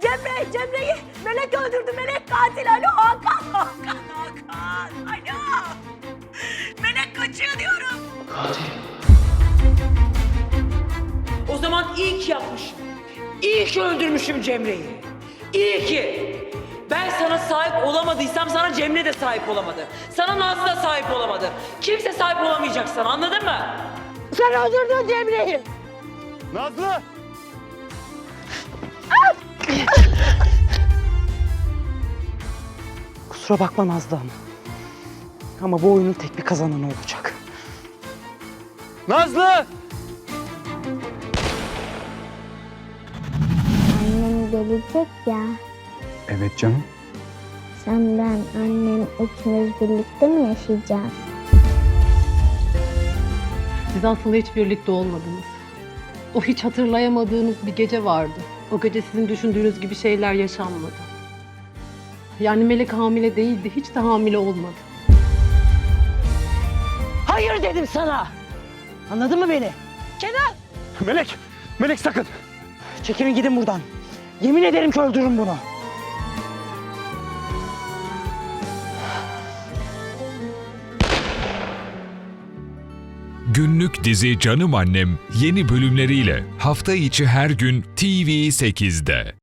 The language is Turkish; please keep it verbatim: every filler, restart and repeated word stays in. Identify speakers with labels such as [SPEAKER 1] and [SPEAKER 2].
[SPEAKER 1] Cemre, Cemre'yi Melek öldürdü. Melek katil. Alo Hakan, Hakan, Hakan. Alo. Melek kaçıyor diyorum.
[SPEAKER 2] Katil.
[SPEAKER 3] O zaman iyi ki yapmışım. İyi ki öldürmüşüm Cemre'yi. İyi ki. Ben sana sahip olamadıysam sana Cemre de sahip olamadı. Sana Nazlı da sahip olamadı. Kimse sahip olamayacak sana, anladın mı?
[SPEAKER 1] Sen öldürdün Cemre'yi.
[SPEAKER 4] Nazlı!
[SPEAKER 5] Kusura bakma Nazlı Hanım. Ama bu oyunun tek bir kazananı olacak.
[SPEAKER 4] Nazlı!
[SPEAKER 6] Annem gelecek ya.
[SPEAKER 4] Evet canım.
[SPEAKER 6] Sen, ben, annem üçümüz birlikte mi yaşayacağız?
[SPEAKER 7] Siz aslında hiç birlikte olmadınız. O hiç hatırlayamadığınız bir gece vardı. O gece sizin düşündüğünüz gibi şeyler yaşanmadı. Yani Melek hamile değildi, hiç de hamile olmadı.
[SPEAKER 1] Hayır dedim sana. Anladın mı beni? Kenan.
[SPEAKER 4] Melek! Melek sakın!
[SPEAKER 5] Çekilin gidin buradan. Yemin ederim ki öldürürüm bunu.
[SPEAKER 8] Günlük dizi Canım Annem yeni bölümleriyle hafta içi her gün T V sekizde.